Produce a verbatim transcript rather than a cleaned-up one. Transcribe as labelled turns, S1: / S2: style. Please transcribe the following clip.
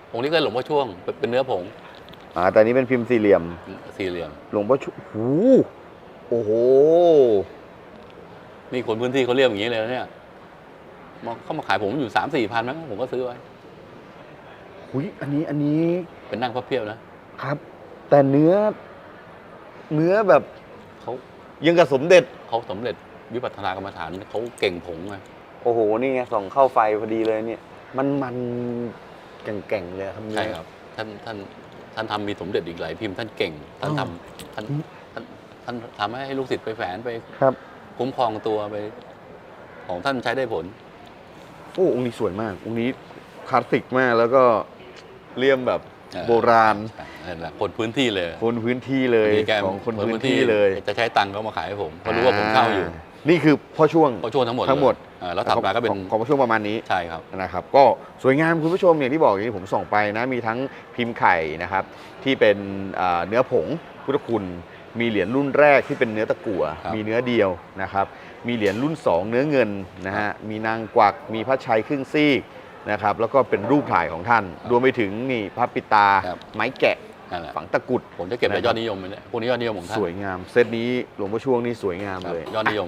S1: องค์นี้ก็หลวงพ่อช่วงเป็นเนื้อผง
S2: อ่าแต่นี้เป็นพิมพ์สี่เหลี่ยม
S1: สี่เหลี่ยม
S2: หลวงพ่อช่วงหูโอ้โห
S1: นี่คนพื้นที่เขาเรียกอย่างนี้เลยเนี่ยเขามาขายผมอยู่สามสี่พันมั้งผมก็ซื้อไว้
S2: หุยอันนี้อันนี้
S1: เป็นนั่งพระเพียบนะครับ
S2: แต่เนื้อ เนื้อแบบ
S1: เขา
S2: ยังกับสมเด็จ
S1: เขาสำเร็จวิปัสสนากรรมฐานเขาเก่งผงไง
S2: โอ้โหนี่ไงส่องเข้าไฟพอดีเลยเนี่ยมันมันแก่งๆเลยครับ
S1: ใช่ครับท่านท่านท่านทำมีสมเด็จอีกหลายพิมพ์ท่านเก่งท่านทำท่านท่านท่านทำให้ลูกศิษย์ไปแฝงไป
S2: ครับ
S1: คุ้มครองตัวไปของท่านใช้ได้ผล
S2: โอ้องค์นี้สวยมากองค์นี้คลาสสิกมากแล้วก็เลี่ยมแบบโบราณ
S1: นั่นแหละคนพื้นที่เลย
S2: คนพื้นที่เลยของคนพื้นที่เลย
S1: จะใช้ตังค์เขามาขายให้ผมเขารู้ว่าผมเข้าอยู่
S2: นี่คือพ่อช่วง
S1: พ่อช่วงทั้งหมด
S2: ทั้งหมด
S1: แล้วถัดมาก็เป็น
S2: ของพ่อช่วงประมาณนี้
S1: ใช่ครับ
S2: นะครับก็สวยงามคุณผู้ชมอย่างที่บอกอย่างที่ผมส่องไปนะมีทั้งพิมพ์ไข่นะครับที่เป็นเนื้อผงพุทธคุณมีเหรียญรุ่นแรกที่เป็นเนื้อตะกั่วมีเนื้อเดียวนะครับมีเหรียญรุ่นสองเนื้อเงินนะฮะมีนางกวักมีพระชัยครึ่งซีกนะครับแล้วก็เป็นรูปถ่ายของท่านรวมไปถึงนี่พระปิตาไม้แกะฝังตะกุด
S1: ผมจะเก็บไปยอดนิยมเลยพวกนี้ยอดนิยมของท่าน
S2: สวยงามเซตนี้หลวงพ่อช่วงนี่สวยงามเลย
S1: ยอดนิยม